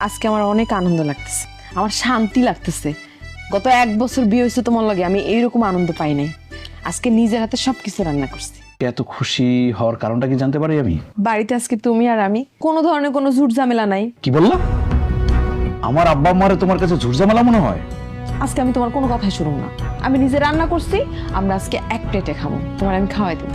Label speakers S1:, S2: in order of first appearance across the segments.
S1: আজকে আমার অনেক আনন্দ লাগতেছে, আমার শান্তি লাগতেছে। গত 1 বছর বিয়ে হয়েছে তোমার লগে, আমি এইরকম আনন্দ পাই নাই। আজকে নিজের হাতে সবকিছু রান্না করছি।
S2: এত খুশি হওয়ার কারণটা কি জানতে পারি আমি?
S1: বাড়িতে আজকে তুমি আর আমি, কোনো ধরনের কোনো ঝুট ঝামেলা নাই।
S2: কি বললা? আমার আব্বা আম্মারে তোমার কাছে ঝুরঝামেলা মনে হয়?
S1: আজকে আমি তোমার কোনো কথাই শুনুম না। আমি নিজে রান্না করছি, আমরা আজকে এক প্লেটে খাবো, তোমার আমি খাওয়াই দেবো।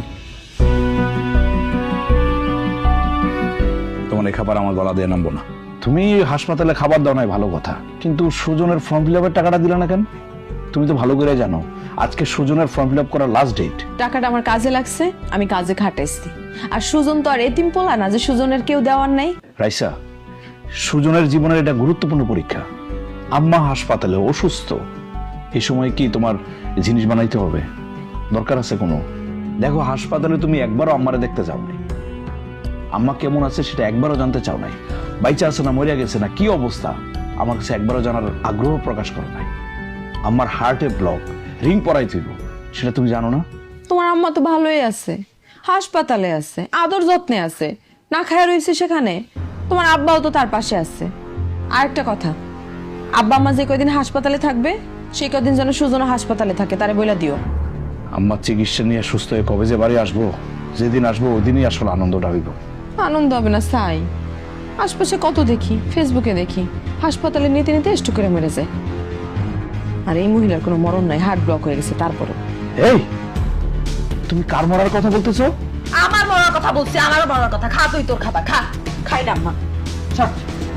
S2: তোমার এই খাবার আমার গলা দিয়ে নামবো না। তুমি হাসপাতালে খাবার দাও নাই ভালো কথা, কিন্তু সুজনের ফর্ম ফিল আপের টাকাটা দিলে না কেন? তুমি তো ভালো করে জানো আজকে সুজনের ফর্ম ফিল আপ করার লাস্ট ডেট।
S1: টাকাটা আমার কাজে লাগছে, আমি কাজে খাটাইছি। আর সুজন তো আর এতিম পোলা না যে সুজনের কেউ দেওয়ার নাই।
S2: রাইসা, সুজনের জীবনের এটা গুরুত্বপূর্ণ পরীক্ষা। আম্মা হাসপাতালে অসুস্থ, এই সময় কি তোমার জিনিস বানাইতে হবে? দরকার আছে কোনো? দেখো, হাসপাতালে তুমি একবারও আম্মারে দেখতে যাও নাই, আম্মা কেমন আছে সেটা একবারও জানতে চাও নাই। বাইচা আছে না মরিয়া গেছে না কি অবস্থা আমার কাছে একবারও জানার আগ্রহ প্রকাশ করো নাই। আম্মার হার্টে ব্লক, রিং পরাই তুইব, সেটা তুমি জানো না?
S1: তোমার আম্মা তো ভালোই আছে, হাসপাতালে আছে, আদর যত্নে আছে, না খায় রয়েছে সেখানে। তোমার আব্বাও তো তার পাশে আছে। আর একটা কথা, আব্বা আম্মা যে কয়দিন হাসপাতালে থাকবে সেই কয়দিন যেন সুজনও হাসপাতালে থাকে, তারে বইলা দিও।
S2: আম্মার চিকিৎসা নিয়ে সুস্থ হয়ে কবে যে বাড়ি আসবো, যেদিন আসবো ওই দিনই আসলে আনন্দটা হইব।
S1: আনন্দ হবে না সাই? আশপাশে কত দেখি, ফেসবুকে দেখি, হাসপাতালে নিতে নিতে স্ট্রোক করে মেরে যায়। আর এই মহিলার কোনো মরণ নাই, হার্ট ব্লক হয়ে গেছে। তারপরও
S2: এই, তুমি কার মরার কথা বলতেছো?
S1: আমার মরার কথা বলছি, আমার মরার কথা। খা তুই তোর খাবার খা। খাই না আম্মা। চল।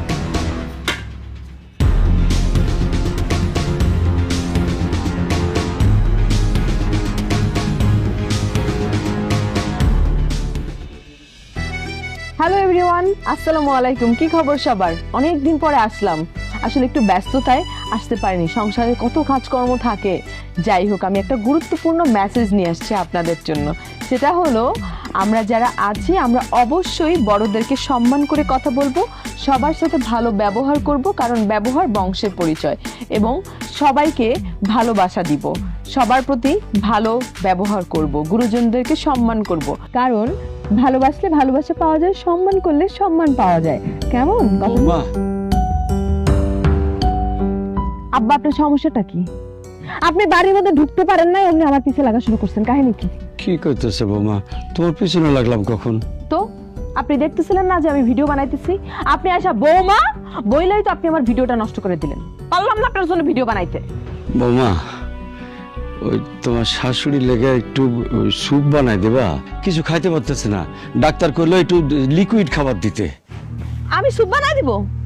S1: হ্যালো এভরিওয়ান, আসসালামু আলাইকুম। কি খবর সবার? অনেক দিন পরে আসলাম। আসলে একটু ব্যস্ততায় আসতে পারিনি, সংসারে কত কাজকর্ম থাকে। যাই হোক, আমি একটা গুরুত্বপূর্ণ মেসেজ নিয়ে আসছি আপনাদের জন্য। সেটা হলো, আমরা যারা আছি আমরা অবশ্যই বড়দেরকে সম্মান করে কথা বলবো, সবার সাথে ভালো ব্যবহার করব, কারণ ব্যবহার বংশের পরিচয়। এবং সবাইকে ভালোবাসা দিব, সবার প্রতি ভালো ব্যবহার করব, গুরুজনদেরকে সম্মান করব, কারণ ভালোবাসলে ভালোবাসা পাওয়া যায়, সম্মান করলে সম্মান পাওয়া যায়। কেমন কথা? আব্বা, আপনার সমস্যাটা কি? আপনি বাড়ির মধ্যে ঢুকতে পারেন না, এমনি আমার পিছে লাগা শুরু করছেন, কাহিনী কি?
S3: কি করতেছে বৌমা? তোমার পিছনে লাগলাম কখন?
S1: তো আপনি দেখতেছিলেন না যে আমি ভিডিও বানাইতেছি? আপনি আসা বৌমা বইলাই তো আপনি আমার ভিডিওটা নষ্ট করে দিলেন। পারলাম না আপনার জন্য ভিডিও বানাইতে।
S3: বৌমা, ওই তোমার শাশুড়ি লেগে একটু স্যুপ বানাই দেবা? কিছু খাইতে পারতেছে না, ডাক্তার কইলো একটু লিকুইড খাবার দিতে।
S1: আমি স্যুপ বানাই দিব?